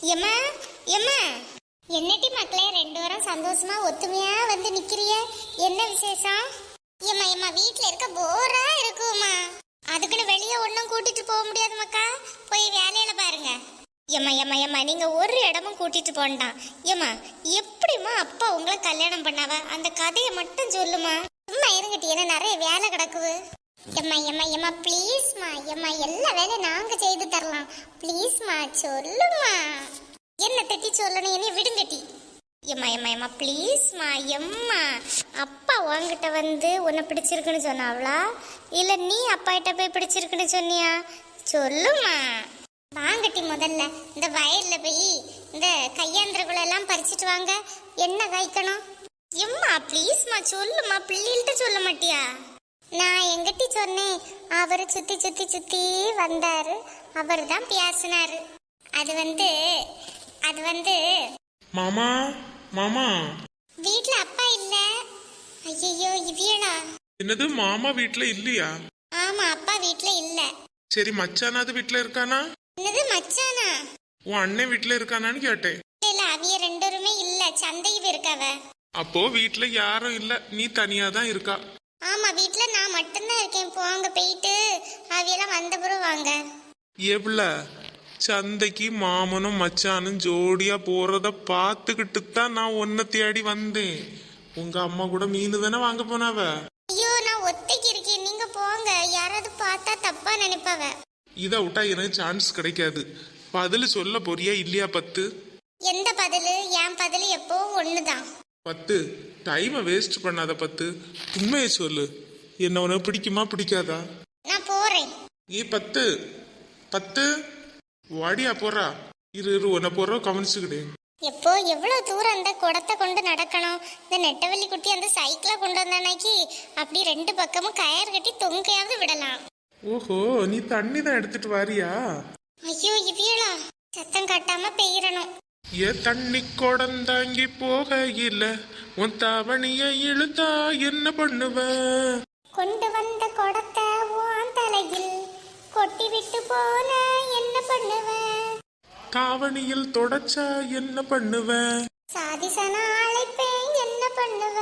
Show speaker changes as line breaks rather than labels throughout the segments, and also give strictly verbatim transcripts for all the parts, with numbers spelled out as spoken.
எம்மா எம்மா என்னட்டி மக்களே ரெண்டு வாரம் சந்தோஷமா ஒத்துமையா வந்து நிக்கிறிய? என்ன விசேஷம்? எம்மா எம்மா வீட்டுல இருக்க போரா இருக்குமா, அதுக்குன்னு வெளியே ஒன்னும் கூட்டிட்டு போக முடியாது மக்கா, போய் வேலையில பாருங்க. எம்மா எம்மா எம்மா நீங்க ஒரு இடமும் கூட்டிட்டு போண்டாம். எம்மா எப்படிமா அப்பா உங்களை கல்யாணம் பண்ணாவ, அந்த கதையை மட்டும் சொல்லுமா. சும்மா இருங்கட்டி, என்ன நிறைய வேலை கிடக்குது. எம்மா எம்மா எம்மா ப்ளீஸ்மா, எம்மா எல்லா வேலையும் நாங்க செய்து தரலாம், ப்ளீஸ்மா சொல்லுமா. என்ன தட்டி சொல்லணும், என்னைய விடுங்கட்டி. எம்மா எம்மா எம்மா ப்ளீஸ்மா. எம்மா அப்பா உங்ககிட்ட வந்து உன்னை பிடிச்சிருக்குன்னு சொன்னாவளா, இல்ல நீ அப்பா கிட்ட போய் பிடிச்சிருக்குன்னு சொன்னியா? சொல்லுமா. வாங்கட்டி, முதல்ல இந்த வயல்ல போய் இந்த கையாந்திரகுள்ள எல்லாம் பறிச்சிட்டு வாங்க. என்ன காய்க்கணும்? எம்மா ப்ளீஸ்மா சொல்லுமா, பிள்ளைகிட்ட சொல்ல மாட்டியா? நான் எங்கிட்ட சொன்னேன், அவரு சுத்தி சுத்தி சுத்தி வந்தாரு, அவர் தான் பேசினாரு. அது வந்து அது வந்து
மாமா மாமா
வீட்ல அப்பா இல்ல. ஐயோ இவியலா.
என்னது மாமா வீட்ல இல்லையா?
ஆமா அப்பா வீட்ல இல்ல.
சரி மச்சானாது வீட்ல இருக்கானா?
என்னது மச்சானா?
உன் அண்ணன் வீட்ல இருக்கானான்னு கேட்டேன்.
இல்ல அவிய ரெண்டருமே இல்ல, சந்தைக்கு இருக்காவ.
அப்போ வீட்ல யாரும் இல்ல, நீ தனியா தான் இருக்கா?
ஆமா வீட்ல நான் மட்டும்தான் இருக்கேன். போங்க போயிட்டு அவியெல்லாம் வந்த பிறகு வாங்க.
எவ்வள சந்தைக்கு மாமனும் மச்சானும் ஜோடியா போறத பாத்துக்கிட்டு தான் நான் உன்னை தேடி வந்தேன். உங்க அம்மா கூட மீன் தானே வாங்க போனாவ.
ஐயோ நான் ஒத்தைக்கு இருக்கேன், நீங்க போங்க, யாராவது பார்த்தா தப்பா நினைப்பாவ.
இதை விட்டா எனக்கு சான்ஸ் கிடைக்காது. பதில் சொல்ல போறியா இல்லையா? பத்து.
எந்த பதிலு? என் பதிலு எப்போ ஒண்ணுதான்.
பத்து டைமை வேஸ்ட் பண்ணாத. பத்து உண்மையை சொல்லு, என்ன உனக்கு பிடிக்குமா பிடிக்காதா?
நான் போறேன்.
ஏ பத்து பத்து வாடியா போறா. இரு இரு உன்னை போற கவனிச்சுக்கிட்டே.
எப்போ எவ்வளவு தூரம் அந்த குடத்தை கொண்டு நடக்கணும். இந்த நெட்டவள்ளி குட்டி அந்த சைக்கிளை கொண்டு வந்தானாக்கி அப்படி ரெண்டு பக்கமும் கயர் கட்டி தொங்கையாவது விடலாம்.
ஓஹோ நீ தண்ணி தான் எடுத்துட்டு வாரியா?
ஐயோ இவியலா, சத்தம் காட்டாம பெய்யறணும்.
ஏ தண்ணி கொடந்தாங்கி போக இல்ல, உன் தாவணிய இழுத்தா என்ன பண்ணுவ?
கொண்டு வந்த குடத்தை உன் தலையில் கொட்டி விட்டு போன என்ன பண்ணுவ?
தாவணியில் தொடச்சா என்ன பண்ணுவ?
சாதிசன அழைப்பேன் என்ன பண்ணுவ?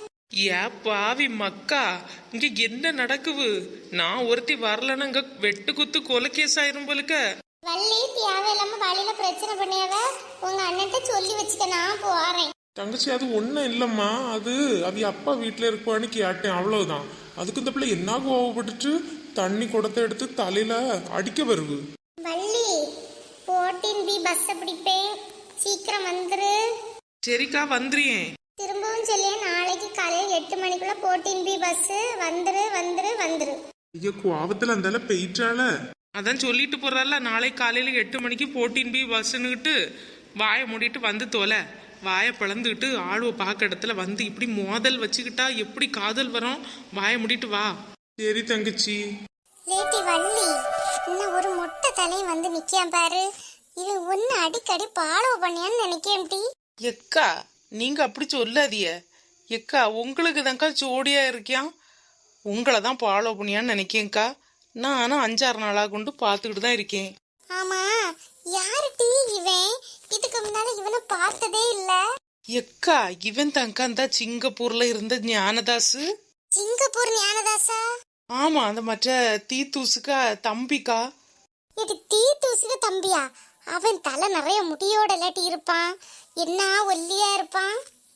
ஏ பாவி மக்கா, இங்க என்ன நடக்குது? நான் ஒருத்தி வரலன்னு இங்க வெட்டு குத்து கொலை கேஸ் ஆயிரும் போலுக்க.
வள்ளி தேவையில்லாம வழியில பிரச்சனை பண்ணியாவ, உங்க அண்ணன்ட்ட சொல்லி வச்சுக்க, நான் போறேன்.
தங்கச்சி அது ஒன்றும் இல்லைம்மா, அது அவி அப்பா வீட்டில் இருப்பான்னு கேட்டேன், அவ்வளவுதான். அதுக்கு இந்த பிள்ளை என்ன கோவப்பட்டுட்டு தண்ணி குடத்தை எடுத்து தலையில அடிக்க வருது.
வள்ளி போர்டீன் பி பஸ் பிடிப்பேன், சீக்கிரம் வந்துரு.
சரிக்கா வந்துறியேன்.
திரும்பவும் சொல்லியே, நாளைக்கு காலையில் எட்டு மணிக்குள்ள போர்டீன் பி பஸ் வந்துரு வந்துரு வந்துரு.
ஐயோ கோவத்துல அந்த பெயிட்டால
அதான் சொல்லிட்டு போறால, நாளை காலையில எட்டு மணிக்கு போட்டின் பி பஸ்ன்னுக்கிட்டு வாயை மூடிட்டு வந்து தோலை. வாயை பிளந்துக்கிட்டு ஆளுவ பார்க்க இடத்துல வந்து இப்படி மோதல் வச்சுக்கிட்டா எப்படி காதல் வரும்? வாயை மூடிட்டு வா.
சரி தங்கச்சி.
லேட்டி வள்ளி, இன்னும் ஒரு மொட்டை தலையும் வந்து நிக்கான் பாரு. இது ஒன்னு அடிக்கடி பாலோ பண்ணியான்னு நினைக்கேன்டி.
எக்கா நீங்க அப்படி சொல்லாதிய எக்கா, உங்களுக்கு தான்க்கா ஜோடியா இருக்கியான், உங்களை தான் ஃபாலோ பண்ணியான்னு நினைக்கேன்க்கா. நானும் அஞ்சாறு நாளாக கொண்டு பார்த்துக்கிட்டு தான் இருக்கேன்.
ஆமா யாருடி இவன்? இதுக்கு முன்னால இவனை பார்த்ததே இல்ல.
எக்கா இவன் தான்க்கா அந்த சிங்கப்பூர்ல இருந்த ஞானதாசு.
சிங்கப்பூர் ஞானதாசா?
ஆமா, அந்த மற்ற தீத்தூசுக்கா தம்பிக்கா.
இது தீத்தூசுக்கு தம்பியா? அவன் தலை நிறைய முடியோட இல்லாட்டி இருப்பான், என்ன ஒல்லியா இருப்பான்.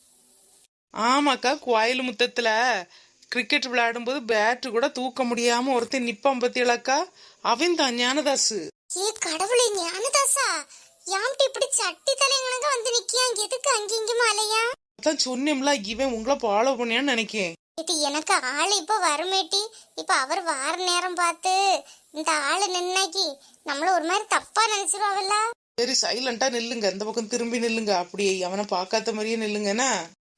ஆமாக்கா, கோயில் முத்தத்துல கிரிக்கெட் விளையாடும் போது பேட்டு கூட தூக்க முடியாம ஒருத்தன் நிப்பான் பத்தியலாக்கா, அவன் தான் ஞானதாசு.
ஏ கடவுளே, ஞானதாசா யாம்டி இப்படி சட்டி தலைங்கனங்க வந்து நிக்கியான்? எதுக்கு அங்கிங்குமா அலையா?
அதான் சொன்னேம்ல, இவன் உங்களை ஃபாலோ பண்ணியான்னு நினைக்கேன்.
இது எனக்கு ஆளு இப்ப வருமேட்டி. இப்ப அவர் வார நேரம் பார்த்து இந்த ஆளு நின்னாக்கி நம்மள ஒரு மாதிரி தப்பா நினைச்சிருவாங்கல்ல.
சரி சைலண்டா நில்லுங்க, இந்த பக்கம் திரும்பி நில்லுங்க, அப்படியே அவனை பார்க்காத மாதிரியே நில்லுங்கண்ணா.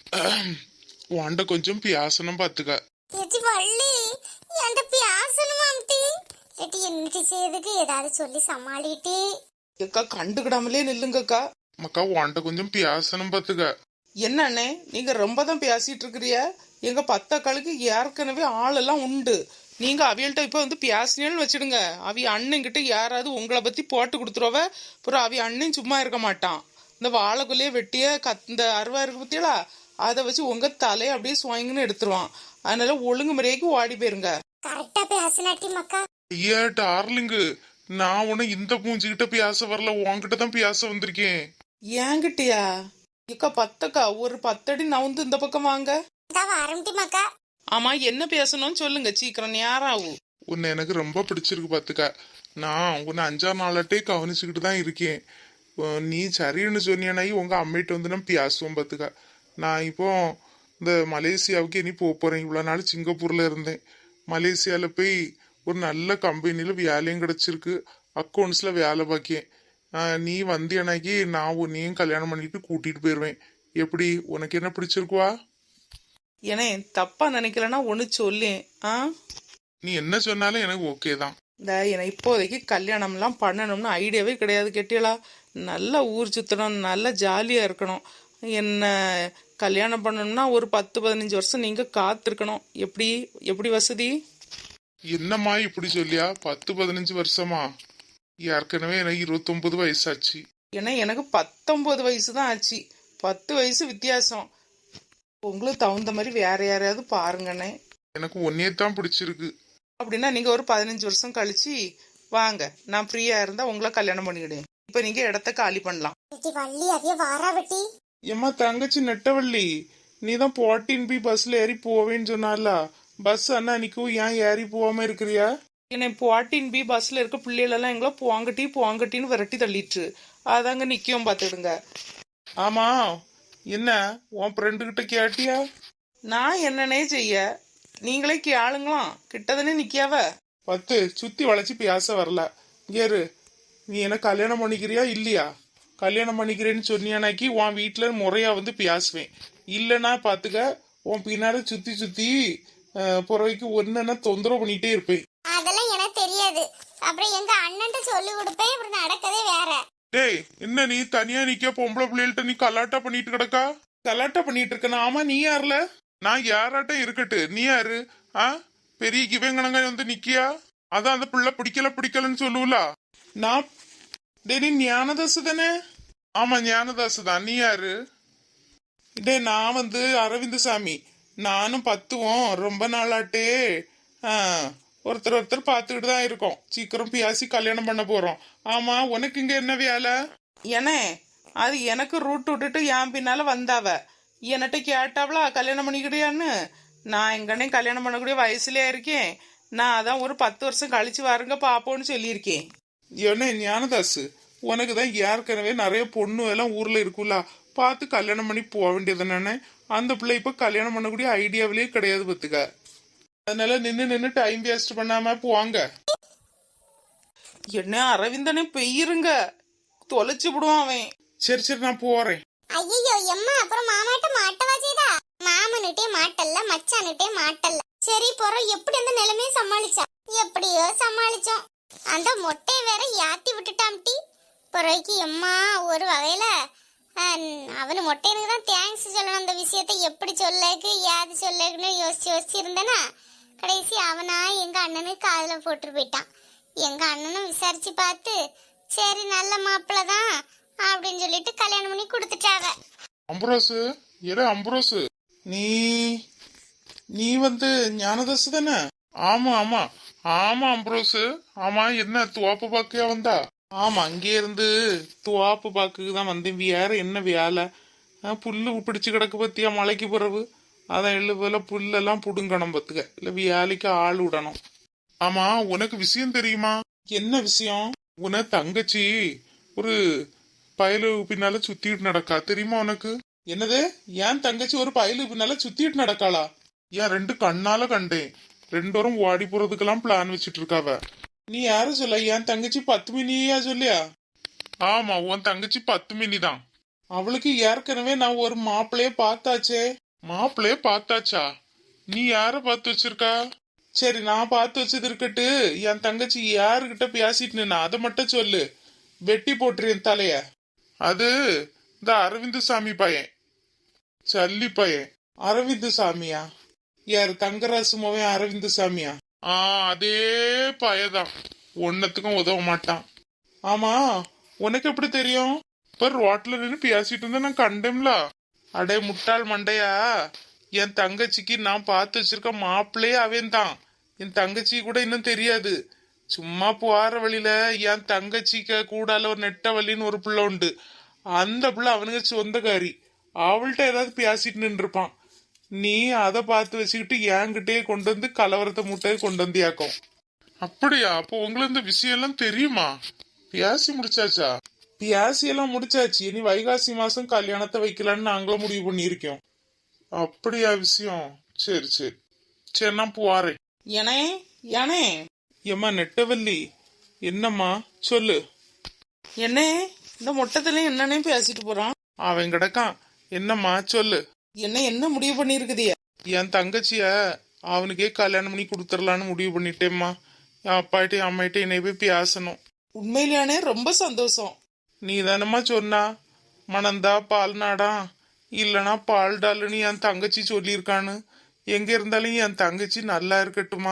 வாண்ட கொஞ்சம் பியாசனம் பாத்துக்க.
எடி வள்ளி, என்கிட்ட பேசணுமாம்டி? எடி என்னடி செய்யுதுக்கு ஏதாவது சொல்லி சமாளிட்டி.
எக்கா கண்டுக்கிடாமலே நில்லுங்கக்கா.
மக்கா வாண்ட கொஞ்சம் பியாசனம் பாத்துக்க.
என்ன அண்ணே, நீங்க ரொம்ப தான் பேசிட்டு இருக்கிறிய? எங்க பத்தக்காளுக்கு ஏற்கனவே ஆளெல்லாம் உண்டு, நீங்க அவியல்கிட்ட இப்போ வந்து பேசினேன்னு வச்சிடுங்க. அவி அண்ணன்கிட்ட யாராவது உங்களை பத்தி போட்டு கொடுத்துருவ. அப்புறம் அவி அண்ணன் சும்மா இருக்க மாட்டான். இந்த வாழைக்குள்ளேயே வெட்டிய கத் இந்த அருவா இருக்கு பத்தியலா, அதை வச்சு உங்க தலையை அப்படியே சுவாங்கன்னு எடுத்துருவான். அதனால ஒழுங்கு முறையாக்கு ஓடி போயிருங்க.
கரெக்டா பேசினாட்டி மக்கா.
ஐயா டார்லிங்கு, நான் உன இந்த பூஞ்சிக்கிட்ட பேச வரல, உன்கிட்ட தான் பேச வந்திருக்கேன்.
ஏங்கிட்டியா இக்கா பத்தக்கா ஒரு பத்தடி நவுந்து இந்த பக்கம் வாங்க.
ஆரம்பிட்டி மக்கா.
ஆமா என்ன பேசணும்னு சொல்லுங்க, சீக்கிரம் நேரம் ஆகும்.
உன்னை எனக்கு ரொம்ப பிடிச்சிருக்கு பாத்துக்க. நான் உன்னை அஞ்சாறு நாளாட்டே கவனிச்சுக்கிட்டு தான் இருக்கேன். உம், நீ சரின்னு சொன்னியானாயி உங்க அம்மிட்ட வந்து நான் பேசுவோம் பாத்துக்க. நான் இப்போ இந்த மலேசியாவுக்கு இனி போக போறேன். இவ்வளோ நாள் சிங்கப்பூர்ல இருந்தேன். மலேசியாவில் போய் ஒரு நல்ல கம்பெனியில் வேலையும் கிடச்சிருக்கு. அக்கௌண்ட்ஸில் வேலை பார்க்கேன். நீ வந்தியனாக்கி நான் உன்னையும் கல்யாணம் பண்ணிட்டு கூட்டிட்டு போயிடுவேன். எப்படி, உனக்கு என்ன பிடிச்சிருக்குவா?
ஏனே தப்பா நினைக்கலன்னா ஒன்று சொல்லேன். ஆ
நீ என்ன சொன்னாலும் எனக்கு ஓகே தான்.
இந்த எனக்கு இப்போதைக்கு கல்யாணம்லாம் பண்ணணும்னு ஐடியாவே கிடையாது. கேட்டியலா, நல்லா ஊர் சுற்றணும், நல்லா ஜாலியாக இருக்கணும். என்ன கல்யாணம் பண்ணணும்னா ஒரு பத்து பதினஞ்சு வருஷம் நீங்கள் காத்திருக்கணும். எப்படி எப்படி வசதி?
என்னம்மா இப்படி சொல்லியா? பத்து பதினஞ்சு வருஷமா? ஏற்கனவே எனக்கு இருபத்தொன்பது வயசாச்சு.
ஏன்னா எனக்கு பத்தொன்பது வயசு தான் ஆச்சு. பத்து வயசு வித்தியாசம். உங்களுக்கு தகுந்த மாதிரி வேற யாரையாவது பாருங்கண்ணே.
எனக்கு ஒன்னே தான் பிடிச்சிருக்கு.
அப்படின்னா நீங்கள் ஒரு பதினஞ்சு வருஷம் கழிச்சு வாங்க, நான் ஃப்ரீயாக இருந்தால் உங்களை கல்யாணம் பண்ணிக்கிடுவேன். இப்போ நீங்கள் இடத்த காலி பண்ணலாம்.
வள்ளி அதைய வாரா வெட்டி.
ஏம்மா தங்கச்சி நெட்டவள்ளி, நீ தான் போட்டின் பி பஸ்ல ஏறி போவேன்னு சொன்னால, பஸ் அண்ணா நிற்கும், ஏன் ஏறி போகாம இருக்கிறியா?
என்னை போட்டின் பி பஸ்ஸில் இருக்க பிள்ளைகளெல்லாம் எங்களை போங்கட்டி போங்கட்டின்னு விரட்டி தள்ளிட்டு அதாங்க நிற்கும் பார்த்துடுங்க.
ஆமா, என்ன உன் ஃப்ரெண்டு கிட்ட கேட்டியா?
நான் என்னன்னே செய்ய, நீங்களே கேளுங்களாம். கிட்டதானே நிற்காவ.
பத்து சுத்தி வளைச்சு பேச வரல. கேரு, நீ என்ன கல்யாணம் பண்ணிக்கிறியா இல்லையா? கல்யாணம் பண்ணிக்கிறேன்னு சொன்னியானாக்கி உன் வீட்டுல முறையா வந்து பேசுவேன். இல்லைன்னா பாத்துக்க, உன் பின்னால சுத்தி சுத்தி புறவைக்கு ஒன்னு தொந்தரவு பண்ணிட்டே இருப்பேன்.
அதெல்லாம் எனக்கு தெரியாது. அப்புறம் எங்க அண்ணன்ட்ட சொல்லி கொடுப்பேன். இப்படி நடக்கதே வேற.
டேய், என்ன நீ தனியா நிக்க பொம்பளை பிள்ளைகள்ட்ட நீ கலாட்டா பண்ணிட்டு கிடக்கா? கலாட்டா பண்ணிட்டு இருக்கனா? ஆமா, நீ யாருல? நான் யாராட்டம் இருக்கட்டு, நீ யாரு? ஆ, பெரிய கிவங்கனங்க வந்து நிக்கியா? அதான் அந்த பிள்ளை பிடிக்கல பிடிக்கலன்னு சொல்லுவலா? நான் டே நீ ஞானதாசு தானே? ஆமா ஞானதாசு தான். நீ யாரு? டே நான் வந்து அரவிந்த் சாமி. நானும் பத்துவோம் ரொம்ப நாளாட்டே ஒருத்தர் ஒருத்தர் பார்த்துக்கிட்டு தான் இருக்கோம். சீக்கிரம் பேசி கல்யாணம் பண்ண போறோம். ஆமா, உனக்கு இங்க என்ன வேலை?
ஏனே அது எனக்கு ரூட் விட்டுட்டு என் பின்னால வந்தாவ. என்னட்ட கேட்டாவளா கல்யாணம் பண்ணிக்கிறியான்னு? நான் எங்கன்னே கல்யாணம் பண்ணக்கூடிய வயசுலயா இருக்கேன். நான் அதான் ஒரு பத்து வருஷம் கழிச்சு வாருங்க பாப்போன்னு சொல்லியிருக்கேன்.
என்ன ஞானதாசு, உனக்கு தான் ஏற்கனவே நிறைய பொண்ணு எல்லாம் ஊர்ல இருக்குல்ல, பார்த்து கல்யாணம் பண்ணி போக வேண்டியது தானே? அந்த பிள்ளை இப்ப கல்யாணம் பண்ணக்கூடிய ஐடியாவிலேயே கிடையாது பத்துக்க. அதனால நின்று நின்று டைம் வேஸ்ட் பண்ணாம போவாங்க.
என்ன அரவிந்தனே பெய்யிருங்க, தொலைச்சு விடுவான் அவன்.
சரி சரி நான் போறேன்.
ஐயோ எம்மா, அப்புறம் மாமாட்ட மாட்டவா செய்தா? மாமனுட்டே மாட்டல்ல, மச்சானுட்டே மாட்டல்ல. சரி போறோம். எப்படி அந்த நிலைமையை சமாளிச்சா? எப்படியோ சமாளிச்சோம். அந்த மொட்டையை வேற யாத்தி விட்டுட்டாம்டி. பிறகு எம்மா ஒரு வகையில அவனு மொட்டையனுக்கு தான் தேங்க்ஸ் சொல்லணும். அந்த விஷயத்த எப்படி சொல்லக்கு ஏது சொல்லக்குன்னு யோசிச்சு யோசிச்சு இருந்தேனா, கடைசி அவனா எங்க அண்ணனுக்கு காதுல போட்டு போயிட்டான். எங்க அண்ணனும் விசாரிச்சு பார்த்து சரி நல்ல மாப்பிள்ள தான் அப்படின்னு சொல்லிட்டு கல்யாணம் பண்ணி கொடுத்துட்டாவ.
அம்புரோசு, ஏடா அம்புரோசு, நீ நீ வந்து ஞானதாசு தானே? ஆமா ஆமா ஆமா அம்புரோசு. ஆமா, என்ன துவாப்பு பாக்கையா வந்தா? ஆமா, அங்கே இருந்து துவாப்பு பாக்குக்கு தான் வந்தேன். வேற என்ன வேலை? புல்லு பிடிச்சு கிடக்கு பத்தியா மலைக்கு பிறகு. அதான் எழு போல புல்லெல்லாம் புடுங்கணும் பத்துக்க, இல்ல வேலைக்கு ஆள் விடணும். ஆமா, உனக்கு விஷயம் தெரியுமா? என்ன விஷயம்? உன தங்கச்சி ஒரு பயலு பின்னால சுத்திட்டு நடக்கா, தெரியுமா உனக்கு? என்னது, ஏன் தங்கச்சி ஒரு பயலு பின்னால சுத்திட்டு நடக்காளா? ஏன் ரெண்டு கண்ணால கண்டேன். ரெண்டோரும் ஓடி போறதுக்கெல்லாம் பிளான் வச்சுட்டு இருக்காவ. நீ யாரு சொல்ல? என் தங்கச்சி பத்து மினியா சொல்லியா? ஆமா, உன் தங்கச்சி பத்து மினி தான். அவளுக்கு ஏற்கனவே நான் ஒரு மாப்பிள்ளைய பார்த்தாச்சே. மாப்பிள்ளைய பார்த்தாச்சா? நீ யார பார்த்து வச்சிருக்கா? சரி, நான் பார்த்து வச்சது இருக்கட்டு. என் தங்கச்சி யாருகிட்ட பேசிட்டு நின்னா அதை மட்டும் சொல்லு, வெட்டி போட்டுறேன் தலைய. அது இந்த அரவிந்த் சாமி பையன், சல்லி பையன். அரவிந்த் சாமியா? யாரு, தங்கராசு மோவன் அரவிந்த் சாமியா? ஆ அதே பயதான், ஒன்னத்துக்கும் உதவ மாட்டான். ஆமா, உனக்கு எப்படி தெரியும்? இப்ப ரோட்ல நின்று பேசிட்டு இருந்தா நான் கண்டேன்ல. அடே முட்டாள் மண்டையா, என் தங்கச்சிக்கு நான் பார்த்து வச்சிருக்க மாப்பிள்ளையே அவன் தான். என் தங்கச்சி கூட இன்னும் தெரியாது. சும்மா போற வழியில என் தங்கச்சிக்க கூடால ஒரு நெட்ட வழின்னு ஒரு பிள்ளை உண்டு. அந்த பிள்ளை அவனுக்கு சொந்தக்காரி. அவள்கிட்ட ஏதாவது பேசிட்டு நின்றுப்பான். நீ அதை பார்த்து வச்சுக்கிட்டு என்கிட்டயே கொண்டு வந்து கலவரத்தை முட்டையை கொண்டு வந்தியாக்கும். அப்படியா? அப்போ உங்களுக்கு இந்த விஷயம் எல்லாம் தெரியுமா? பேசி முடிச்சாச்சா? பேசி எல்லாம் முடிச்சாச்சு. இனி வைகாசி மாசம் கல்யாணத்தை வைக்கலான்னு நாங்களும் முடிவு பண்ணியிருக்கோம். அப்படியா விஷயம்? சரி சரி சரி, நான் போறேன்.
ஏனே ஏனே
ஏம்மா நெட்டவல்லி, என்னம்மா சொல்லு.
என்ன இந்த மொட்டத்துல என்னன்னே பேசிட்டு போறான்?
அவன் கிடக்கான். என்னம்மா சொல்லு.
என்ன என்ன முடிவு பண்ணிருக்குதிய?
என் தங்கச்சிய அவனுக்கே கல்யாணம் பண்ணி கொடுத்துடலான்னு முடிவு பண்ணிட்டேம்மா. என் அப்பாட்டையும் அம்மாயிட்டையும் என்னை போய் பேசணும்.
உண்மையிலானே ரொம்ப சந்தோஷம்.
நீ தானம்மா சொன்னா மணந்தா பால் நாடா இல்லனா பால் டாலுன்னு என் தங்கச்சி சொல்லியிருக்கான்னு. எங்க இருந்தாலும் என் தங்கச்சி நல்லா இருக்கட்டுமா?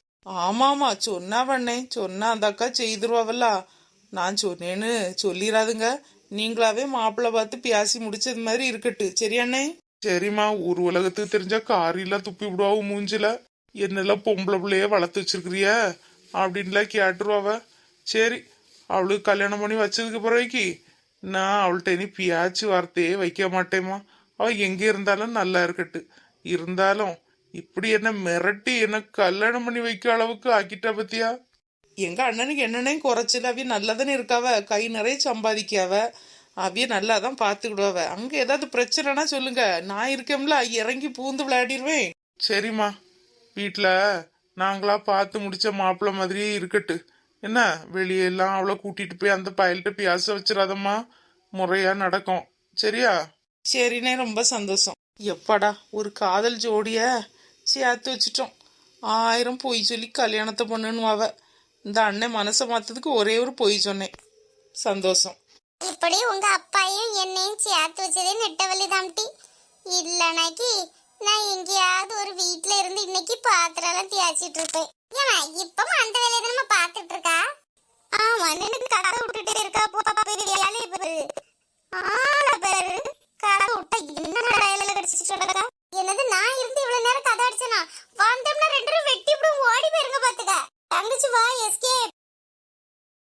ஆமாமா சொன்னா பண்ணே, சொன்னா அந்த அக்கா செய்திருவாவல்ல. நான் சொன்னேன்னு சொல்லிடாதுங்க. நீங்களாவே மாப்பிள்ளை பார்த்து பேசி முடிச்சது மாதிரி இருக்கட்டு. சரியாண்ணே?
சரிம்மா, ஒரு உலகத்துக்கு தெரிஞ்சா காரியெல்லாம் துப்பி விடுவாவு மூஞ்சில. என்னெல்லாம் பொம்பளை பிள்ளைய வளர்த்து வச்சிருக்கிறிய அப்படின்லாம் கேட்டுருவாவ. சரி, அவளுக்கு கல்யாணம் பண்ணி வச்சதுக்கு பிறகு நான் அவள்கிட்ட இனி பியாச்சு வார்த்தையே வைக்க மாட்டேம்மா. அவ எங்க இருந்தாலும் நல்லா இருக்கட்டு. இருந்தாலும் இப்படி என்ன மிரட்டி என்ன கல்யாணம் பண்ணி வைக்க அளவுக்கு ஆக்கிட்டா பத்தியா?
எங்க அண்ணனுக்கு என்னன்னே குறைச்சல. அவிய நல்லாதானே இருக்காவ, கை நிறைய சம்பாதிக்காவ, அவிய நல்லா தான் பாத்துக்கிடுவாவ. அங்க ஏதாவது பிரச்சனைனா சொல்லுங்க, நான் இருக்கேன்ல, இறங்கி பூந்து விளையாடிடுவேன்.
சரிம்மா, வீட்டுல நாங்களா பார்த்து முடிச்ச மாப்பிள்ளை மாதிரியே இருக்கட்டு. என்ன, வெளியெல்லாம் அவளை கூட்டிட்டு போய் அந்த பயல்கிட்ட பேச வச்சிடாதம்மா. முறையா நடக்கும். சரியா?
சரிண்ணே, ரொம்ப சந்தோஷம். எப்பாடா ஒரு காதல் ஜோடிய சேர்த்து வச்சிட்டோம். ஆயிரம் பொய் சொல்லி கல்யாணத்தை பண்ணுவாவ. இந்த அண்ணன் மனசை மாத்ததுக்கு ஒரே ஒரு பொய் சொன்னேன். சந்தோஷம்.
இப்படி உங்க அப்பாயும் என்னையும் சேர்த்து வச்சதே நெட்டவள்ளி தாம்டி. இல்லைனாக்கி நான் எங்கேயாவது ஒரு வீட்டுல இருந்து இன்னைக்கு பாத்திரம் தேய்ச்சிட்டு இருப்பேன். ஏமா இப்பவும் அந்த வேலையை நம்ம பாத்துட்டு இருக்கா? ஆமா, நினைக்கு கடை விட்டுட்டே இருக்கா. வேலை ஆளை